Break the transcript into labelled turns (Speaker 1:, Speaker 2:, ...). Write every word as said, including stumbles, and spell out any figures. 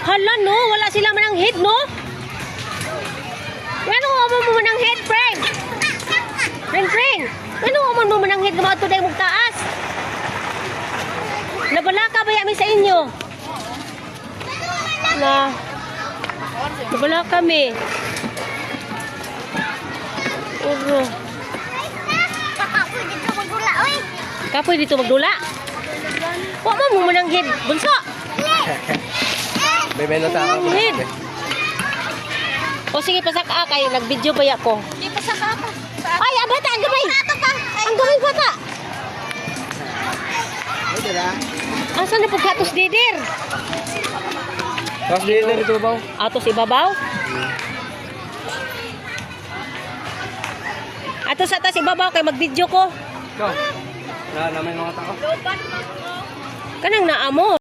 Speaker 1: Hala no, wala sila manang head no. Ano mo mo manang head, friend? Friend, friend. Ano mo mo manang head nga to day mong taas? Nabala ka ba yami sa inyo? Na. Nabala kami. Uro.
Speaker 2: Kapoy dito magdula, oy.
Speaker 1: Kapoy dito magdula. Wa mo mo manang head, bunso.
Speaker 3: Bebelo ta ako.
Speaker 1: Head. O sige, pasaka kayo. Nag-video ba ako?
Speaker 2: Di pa sa kapa.
Speaker 1: Ay, ang bata, ang gamay.
Speaker 2: Ato pa.
Speaker 1: Ang gamay bata.
Speaker 3: Ay, dala.
Speaker 1: Asa na pagkatos didir?
Speaker 3: Tapos dito dito ba?
Speaker 1: Atos ibabaw? Atos atas ibabaw kay mag-video ko.
Speaker 3: Go. Na naman mga tao.
Speaker 1: Kanang naamo.